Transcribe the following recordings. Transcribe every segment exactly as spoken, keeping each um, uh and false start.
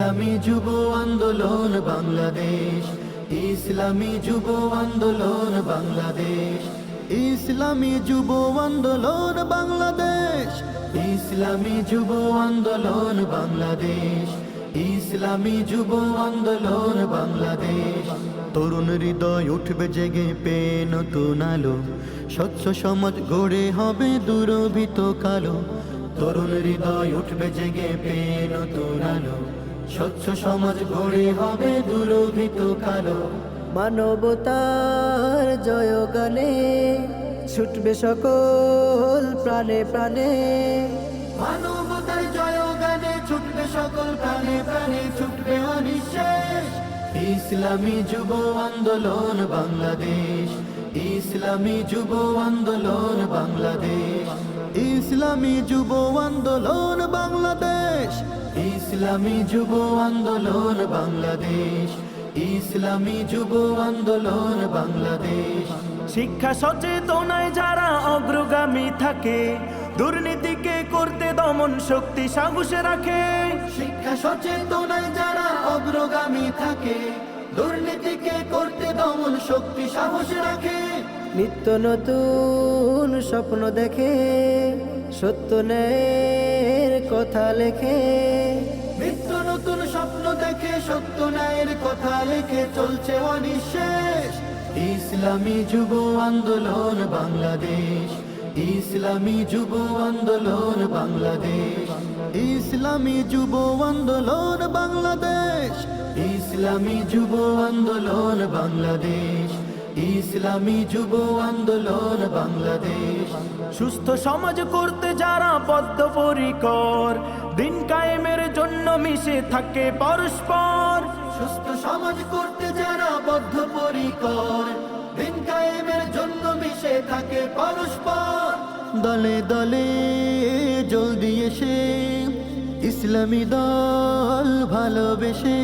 ইসলামী যুব আন্দোলন বাংলাদেশ, ইসলামী যুব আন্দোলন বাংলাদেশ, ইসলামী যুব আন্দোলন বাংলাদেশ, ইসলামী যুব আন্দোলন বাংলাদেশ, ইসলামী যুব আন্দোলন বাংলাদেশ। তরুণ হৃদয় উঠবে জেগে পেয়ে নতুন আলো, স্বচ্ছ সমাজ গড়ে হবে দুরভিত কালো। তরুণ হৃদয় উঠবে জেগে পেয়ে নতুন আলো, স্বচ্ছ সমাজ গড়ে হবে দুরভিত কালো। মানবতার জয়গানে ছুটবে সকল প্রাণে প্রাণে, মানবতার জয়গানে ছুটবে সকল প্রাণে প্রাণে, ছুটবে অনিঃশেষ। ইসলামী যুব আন্দোলন বাংলাদেশ, ইসলামী যুব আন্দোলন বাংলাদেশ, ইসলামী যুব আন্দোলন বাংলাদেশ, ইসলামী যুব আন্দোলন বাংলাদেশ, ইসলামী যুব আন্দোলন বাংলাদেশ। শিক্ষা সচেতনায় যারা অগ্রগামী থাকে, দুর্নীতিকে করতে দমন শক্তি সাহসে রাখে। শিক্ষা সচেতনায় যারা অগ্রগামী থাকে, দুর্নীতিকে করতে দমন শক্তি সাহস রাখে। নিত্য নতুন স্বপ্ন দেখে, সত্য ন্যায়ের কথা লেখে। নিত্য নতুন স্বপ্ন দেখে, সত্য ন্যায়ের কথা লেখে, চলছে অনিঃশেষ। ইসলামী যুব আন্দোলন বাংলাদেশ, ইসলামী যুব আন্দোলন বাংলাদেশ, ইসলামী যুব আন্দোলন বাংলাদেশ, ইসলামী যুব আন্দোলন বাংলাদেশ, ইসলামী যুব আন্দোলন বাংলাদেশ। সুস্থ সমাজ করতে যারা বদ্ধপরিকর, দিন কায়েমের জন্য মিশে থাকে পরস্পর। সুস্থ সমাজ করতে যারা বদ্ধপরিকর, দিন কায়েমের জন্য মিশে থাকে পরস্পর। দলে দলে জলদি এসে ইসলামী দল ভালোবেসে,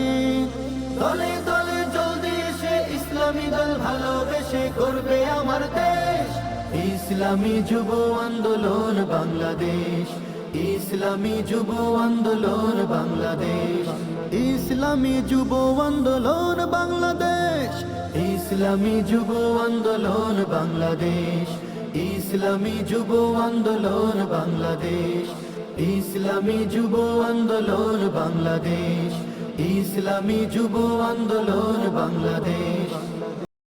দলে দলে জলদি এসে ইসলামী দল ভালোবেসে করবে আমার দেশ। ইসলামী যুব আন্দোলন বাংলাদেশ, ইসলামী যুব আন্দোলন বাংলাদেশ, ইসলামী যুব আন্দোলন বাংলাদেশ, ইসলামী যুব আন্দোলন বাংলাদেশ, ইসলামী যুব আন্দোলন বাংলাদেশ, ইসলামী যুব আন্দোলন বাংলাদেশ, ইসলামী যুব আন্দোলন বাংলাদেশ।